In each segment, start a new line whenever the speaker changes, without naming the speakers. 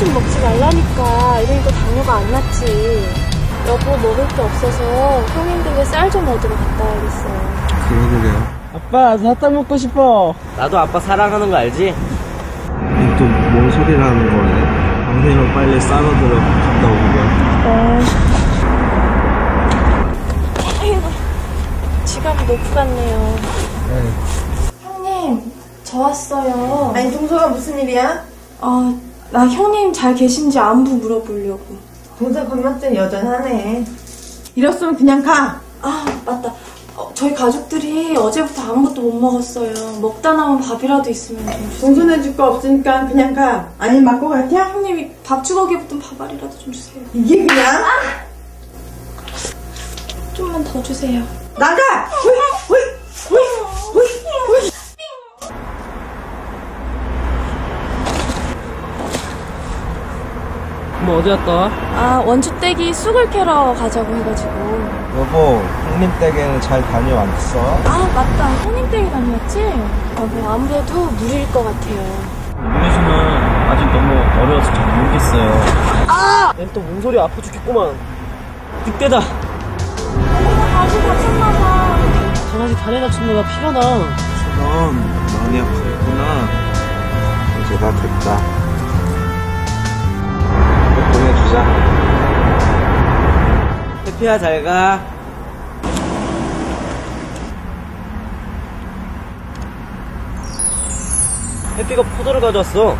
좀 먹지 말라니까. 이러니까 당뇨가 안 났지. 여보, 먹을 게 없어서 형님 댁에 쌀 좀 얻으러 갔다 와야겠어요.
그러게요.
아빠, 사탕 먹고 싶어.
나도 아빠 사랑하는 거 알지?
또 뭔 소리라는 거네. 당신은 빨리 싸러들어 갔다 오고요.
아이고, 지갑이 놓고 갔네요. 형님, 저 왔어요.
아니, 동서가 무슨 일이야?
나 형님 잘 계신지 안부 물어보려고.
동서 건강증 여전하네. 이랬으면 그냥 가.
맞다. 저희 가족들이 어제부터 아무것도 못 먹었어요. 먹다 남은 밥이라도 있으면 좀 주세요.
동서는 줄 거 없으니까 그냥 가. 아니, 맞고 같아?
형님이 밥 주걱이에 붙은 밥알이라도 좀 주세요.
이게 그냥?
좀만 더 주세요.
나가! 호이!
뭐 어디 갔다 와?
원주댁이 쑥을 캐러 가자고 해가지고.
여보, 형님 댁에는 잘 다녀왔어?
맞다. 형님 댁에 다녀왔지? 여보, 아무래도 무리일 것 같아요.
우리 집은 아직 너무 어려워서 잘 모르겠어요.
얜 또 몸소리 아파 죽겠구만. 늑대다.
다시 다쳤나봐.
강아지 다리 다쳤나봐. 피가 나.
넌 많이 아프겠구나. 이제 다 됐다. 보내주자.
해피야, 잘 가. 해피가 포도를 가져왔어.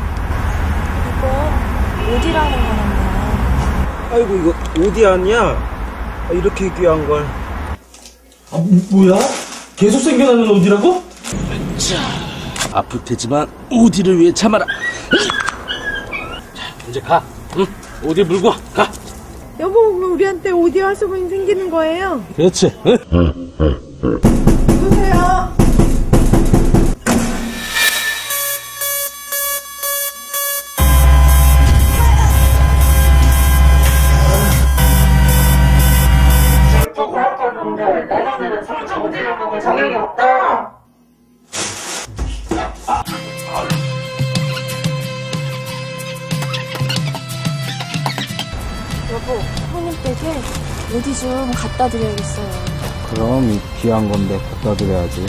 이건 어디라는 거란다.
아이고, 이거 어디 아니야? 이렇게 귀한 걸.
뭐야? 계속 생겨나는 어디라고?
아플 테지만 오디를 위해 참아라. 자, 이제 가. 응, 오디 물고 와. 가.
여보, 우리한테 오디 화수분이 생기는 거예요?
그렇지.
누구세요?
과학자분들, 내년에는 3차 오디를 먹을 자격이 없다.
여보, 형님 댁에 어디 좀 갖다 드려야겠어요.
그럼 이 귀한 건데 갖다 드려야지.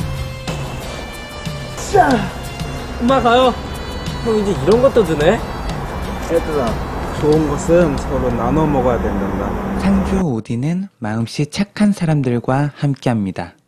엄마 가요. 형 이제 이런 것도 드네?
얘들아, 좋은 것은 서로 나눠 먹어야 된단다.
창조 오디는 마음씨 착한 사람들과 함께합니다.